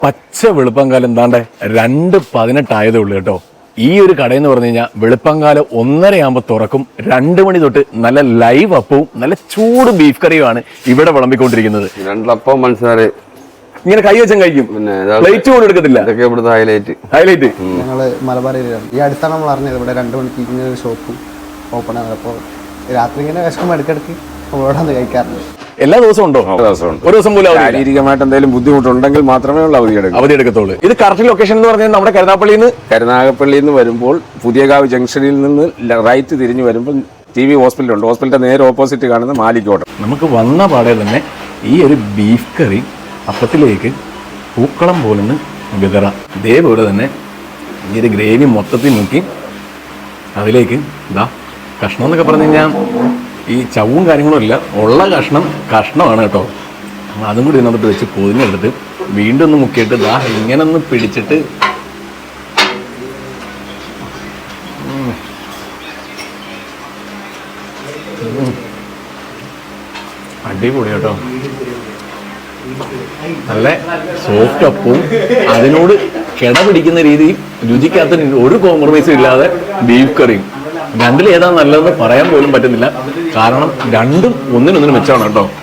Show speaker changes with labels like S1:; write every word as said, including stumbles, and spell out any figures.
S1: പച്ച വെളുപ്പംകാലം എന്താണ്ട് രണ്ട് പതിനെട്ടായതേ ഉള്ളൂ കേട്ടോ. ഈ ഒരു കടയെന്ന് പറഞ്ഞു കഴിഞ്ഞാൽ വെളുപ്പംകാലം ഒന്നരയാകുമ്പോൾ തുറക്കും. രണ്ട് മണി തൊട്ട് നല്ല ലൈവ് അപ്പവും നല്ല ചൂട് ബീഫ് കറിയുമാണ് ഇവിടെ വിളമ്പിക്കൊണ്ടിരിക്കുന്നത്.
S2: രണ്ടപ്പം മനസ്സിലായി
S1: ഇങ്ങനെ കൈ വെച്ചാൽ കഴിക്കും, പ്ലേറ്റ് പോലും എടുക്കത്തില്ല.
S2: ഇതൊക്കെ ഇവിടുത്തെ ഹൈലൈറ്റ്
S1: ഹൈലൈറ്റ്
S3: ഞങ്ങള് മലബാർ ഏരിയയിലാണ്. ഈ അടുത്താണ് നമ്മൾ അറിഞ്ഞത് ഇവിടെ രണ്ട് മണിക്ക് ഇങ്ങനെ ഒരു ഷോപ്പ് ഓപ്പൺ ആണ്. അപ്പോൾ രാത്രി ഇങ്ങനെ വിശക്കുമ്പോൾ ഇടയ്ക്കിടയ്ക്ക് നമ്മളോട് വന്ന് കഴിക്കാറുണ്ട്.
S1: എല്ലാ ദിവസവും ഉണ്ടോ? ഒരു ദിവസം പോലും
S2: ശാരീരികമായിട്ട് എന്തെങ്കിലും ബുദ്ധിമുട്ടുണ്ടെങ്കിൽ മാത്രമേ ഉള്ളൂ അവധി എടുക്കും
S1: അവധി എടുക്കത്തുള്ളൂ. ഇത് കറക്റ്റ് ലൊക്കേഷൻ എന്ന് പറഞ്ഞാൽ നമ്മുടെ കരുനാഗപ്പള്ളിയിൽ നിന്ന്
S2: കരുനാഗപ്പള്ളിയിൽ നിന്ന് വരുമ്പോൾ പുതിയകാവ് ജംഗ്ഷനിൽ നിന്ന് റൈറ്റ് തിരിഞ്ഞു വരുമ്പോൾ ടി വി ഹോസ്പിറ്റൽ ഉണ്ട്. ഹോസ്പിറ്റലിന്റെ നേരെ ഓപ്പോസിറ്റ് കാണുന്ന മാലിക്കോട്ടം.
S1: നമുക്ക് വന്ന പാടെ തന്നെ ഈ ഒരു ബീഫ് കറി അപ്പത്തിലേക്ക് പൂക്കളം പോലൊന്ന് വിതറ. ഇതേപോലെ തന്നെ ഈ ഒരു ഗ്രേവി മൊത്തത്തിൽ നോക്കി അതിലേക്ക് ഇതാ കഷ്ണം എന്നൊക്കെ പറഞ്ഞു കഴിഞ്ഞാൽ ഈ ചവും കാര്യങ്ങളും ഇല്ല, ഉള്ള കഷ്ണം കഷ്ണമാണ് കേട്ടോ. അതും കൂടി ഇതിനകത്ത് വെച്ച് പൊതിഞ്ഞെടുത്ത് വീണ്ടും ഒന്ന് മുക്കിയിട്ട് ദാ ഇങ്ങനെ ഒന്ന് പിടിച്ചിട്ട് അടിപൊളി കേട്ടോ. നല്ല സോഫ്റ്റ് അപ്പവും അതിനോട് കിട പിടിക്കുന്ന രീതിയിൽ രുചിക്കാത്ത ഒരു കോംപ്രമൈസും ഇല്ലാതെ ബീഫ് കറിയും. രണ്ടിൽ ഏതാ നല്ലതെന്ന് പറയാൻ പോലും പറ്റുന്നില്ല, കാരണം രണ്ടും ഒന്നിനൊന്നിനും മെച്ചമാണ് കേട്ടോ.